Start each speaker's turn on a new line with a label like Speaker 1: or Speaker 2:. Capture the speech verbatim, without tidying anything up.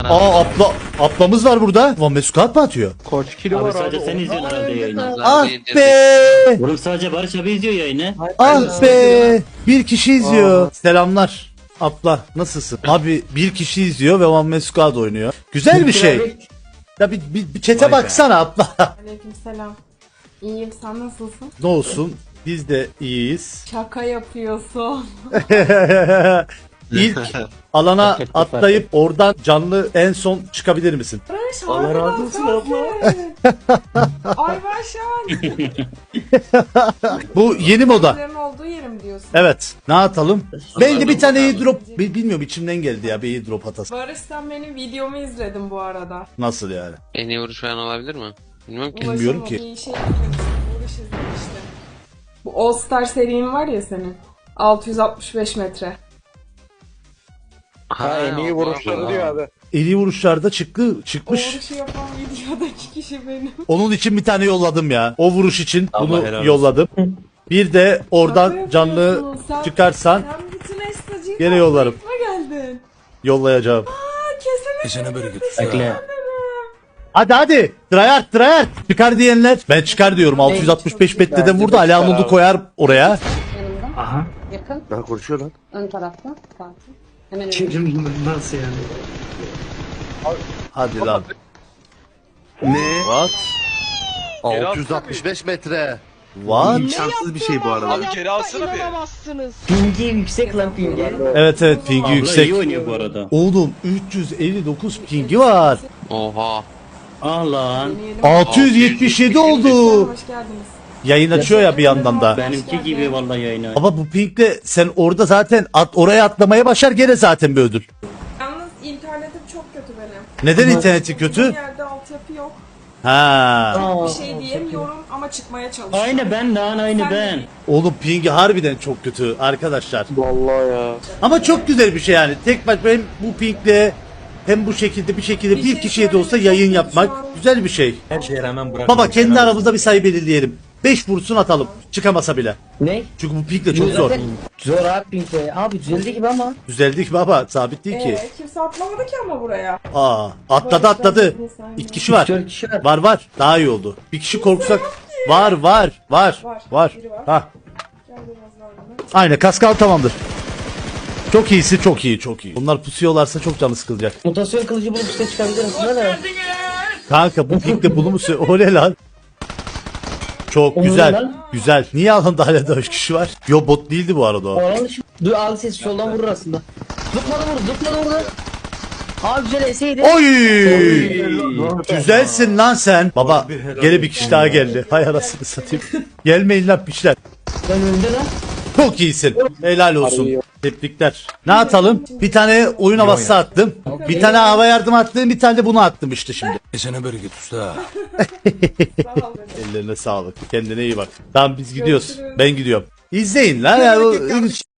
Speaker 1: Aa abla, ablamız var burada. Van Mesut mı atıyor?
Speaker 2: Kaç kilo
Speaker 3: Abi
Speaker 2: var
Speaker 3: sadece
Speaker 2: abi?
Speaker 3: sen izliyorsun herhalde yayını.
Speaker 1: Ah be!
Speaker 3: Oğlum sadece Barış abi izliyor yayını.
Speaker 1: Ah be! Bir kişi izliyor. Selamlar. Abla nasılsın? Abi bir kişi izliyor ve Van Mesut oynuyor. Güzel bir şey. Ya bir, bir, bir çete baksana abla.
Speaker 4: Aleykümselam. İyiyim, sen nasılsın?
Speaker 1: Ne olsun? Biz de iyiyiz.
Speaker 4: Şaka yapıyorsun.
Speaker 1: İlk alana atlayıp oradan canlı en son çıkabilir misin?
Speaker 4: Barış,
Speaker 2: Allah razı
Speaker 4: harbiden
Speaker 2: olsun abla.
Speaker 4: sensin. Ay Barışan.
Speaker 1: Bu yeni moda.
Speaker 4: Benim olduğu yerim diyorsun.
Speaker 1: Evet. Ne atalım? Ben de bir tane airdrop bi- bilmiyorum içimden geldi ya bir airdrop atası.
Speaker 4: Barış, sen benim videomu izledin bu arada.
Speaker 1: Nasıl yani?
Speaker 5: En iyi vuruş falan olabilir mi? Bilmiyorum ki.
Speaker 1: Bilmiyorum
Speaker 4: Ulaşım
Speaker 1: ki.
Speaker 4: Bir şey izlemiştim. Barış izlemişti. Bu All Star serin var ya senin. altı yüz altmış beş metre.
Speaker 2: Ha en iyi vuruşları diyor abi.
Speaker 1: Eli vuruşlarda çıktı,
Speaker 4: O
Speaker 1: çıkmış.
Speaker 4: vuruşu yapan videodaki kişi benim.
Speaker 1: Onun için bir tane yolladım ya. O vuruş için
Speaker 2: Allah
Speaker 1: bunu
Speaker 2: helal olsun.
Speaker 1: yolladım. Bir de oradan
Speaker 4: Şaka
Speaker 1: canlı
Speaker 4: yapıyorsun. Sen-
Speaker 1: çıkarsan
Speaker 4: Sen bütün estacıyı
Speaker 1: gene yollarım.
Speaker 4: kaplayıp mı geldin?
Speaker 1: yollayacağım.
Speaker 4: Aa, kesinlikle.
Speaker 3: Bekle.
Speaker 1: Hadi hadi. Tryhard tryhard. Çıkar diyenler. Ben çıkar diyorum. altı yüz altmış beş metreden vurdu. Ali Anadolu koyar oraya.
Speaker 6: Yanımda.
Speaker 3: Aha.
Speaker 6: Yakın.
Speaker 2: Ben konuşuyor lan.
Speaker 6: Ön tarafta. Fatih. Hemen önümde.
Speaker 3: Nasıl yani?
Speaker 1: Hadi lan.
Speaker 2: Ne?
Speaker 1: What?
Speaker 2: altı yüz altmış beş metre.
Speaker 1: What?
Speaker 2: İmkansız bir şey bu arada.
Speaker 7: Abi geri alsana bir.
Speaker 3: Pingi yüksek lan pingi.
Speaker 1: Evet evet pingi
Speaker 3: Abla
Speaker 1: yüksek.
Speaker 3: iyi oynuyor bu arada.
Speaker 1: Oğlum üç yüz elli dokuz pingi var.
Speaker 5: Oha.
Speaker 3: Ah lan.
Speaker 4: Yeni yeni-
Speaker 1: altı yüz yetmiş yedi oldu.
Speaker 4: Hoş geldiniz.
Speaker 1: Yayın açıyor ya bir yandan da.
Speaker 3: Benimki gibi vallahi yayını.
Speaker 1: Ama bu pinkle sen orada zaten at, oraya atlamaya başar gene zaten bir ödül.
Speaker 4: Yalnız internetim çok kötü benim.
Speaker 1: Neden interneti
Speaker 4: Bir
Speaker 1: kötü?
Speaker 4: yerde altyapı yok.
Speaker 1: Ha.
Speaker 4: Bir şey diyemiyorum ama çıkmaya çalışıyorum.
Speaker 3: Aynı ben lan aynı
Speaker 4: Sen
Speaker 3: ben.
Speaker 4: de-
Speaker 1: Oğlum pingi harbiden çok kötü arkadaşlar.
Speaker 2: Vallahi ya.
Speaker 1: Ama çok güzel bir şey yani. Tek baş hem bu pinkle hem bu şekilde bir şekilde bir,
Speaker 4: Bir şey
Speaker 1: kişiye de olsa
Speaker 4: söyleyeyim,
Speaker 1: yayın
Speaker 4: çok
Speaker 1: yapmak
Speaker 4: şu an-
Speaker 1: güzel bir şey.
Speaker 2: Her şeye rağmen bırak.
Speaker 1: Baba kendi aramızda bir sayı belirleyelim. beş vursun atalım. Çıkamasa bile.
Speaker 8: Ne?
Speaker 1: Çünkü bu pinkle çok zor.
Speaker 8: Zaten zor abi Pink'e. Abi düzeldi gibi ama.
Speaker 1: Düzeldik baba sabit değil ki.
Speaker 4: Ee, kimse atlamadı ki ama buraya.
Speaker 1: Aa atladı atladı. İki kişi var.
Speaker 8: Dört kişi var.
Speaker 1: Var var. Daha iyi oldu. Bir kişi korksak. Var var var.
Speaker 4: Var,
Speaker 1: Var.
Speaker 4: biri var.
Speaker 1: Ha.
Speaker 4: Gel biraz daha bana.
Speaker 1: Aynen kaskal tamamdır. Çok iyisi çok iyi çok iyi. Bunlar pusuyorlarsa çok canı sıkılacak.
Speaker 8: Mutasyon kılıcı bulup size çıkabilir aslında da.
Speaker 1: Kanka bu pinkle bunu mu sö- O ne lan? Çok
Speaker 8: O ne
Speaker 1: güzel.
Speaker 8: lan?
Speaker 1: Güzel. Niye alanda hala da üç kişi var? Yo bot değildi bu arada o.
Speaker 8: Oranı şu. Dur al sesi soldan vurur aslında. Zıpladı vurdu zıpladı vurdu. Abi güzel eseydi.
Speaker 1: Oy! Güzelsin lan sen. Baba gene bir kişi daha geldi. Hay arasını satayım. Gelmeyin lan piçler.
Speaker 8: Ben önünde lan.
Speaker 1: Çok iyisin. Helal olsun. Tebrikler. Ne atalım? Bir tane oyun havası attım. Bir tane hava yardım attım. Bir tane de bunu attım işte şimdi.
Speaker 7: Esene bereket usta.
Speaker 4: Sağ ol.
Speaker 1: Ellerine sağlık. Kendine iyi bak. Tamam biz gidiyoruz.
Speaker 4: Görüşürüz.
Speaker 1: Ben gidiyorum. İzleyin lan. Ya, bu-